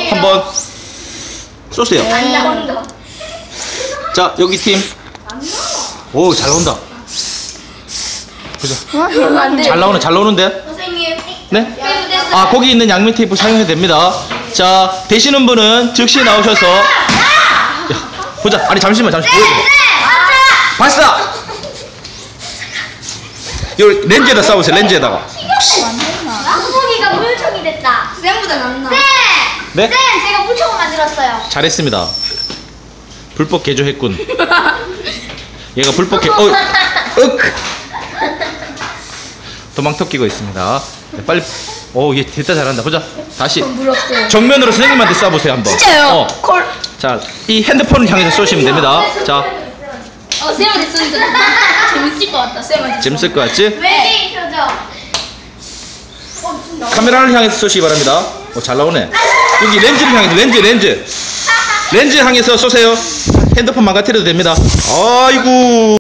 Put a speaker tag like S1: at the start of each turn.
S1: 한번 쏘세요.
S2: 안 나온다.
S1: 자, 여기 팀. 오, 잘 나온다. 보자. 잘 나오네, 잘 나오는데?
S2: 선생님.
S1: 네? 아, 거기 있는 양면 테이프 사용해도 됩니다. 자, 되시는 분은 즉시 나오셔서. 야, 보자. 아니, 잠시만, 보여줘. 봤어! 여기 렌즈에다 싸우세요, 렌즈에다가.
S2: 소고기가 물총이 됐다. 쌤보다 낫나?
S1: 네?
S2: 쌤, 제가 물총을 만들었어요.
S1: 잘했습니다. 불법 개조했군. 얘가 불법 윽! 도망터 끼고 있습니다. 네, 빨리. 오, 얘 됐다, 잘한다. 보자. 다시. 정면으로 선생님한테 쏴보세요, 한번.
S2: 진짜요? 콜.
S1: 자, 이 핸드폰을 향해서 쏘시면 됩니다. 자,
S2: 쌤한테 쏘니까 재밌을 것 같다. 쌤한테.
S1: 재밌을 것 같지?
S2: 외계인 표정.
S1: 카메라를 향해서 쏘시기 바랍니다. 오, 잘 나오네. 여기 렌즈를 향해서, 렌즈 향해서 쏘세요. 핸드폰 망가뜨려도 됩니다. 아이고.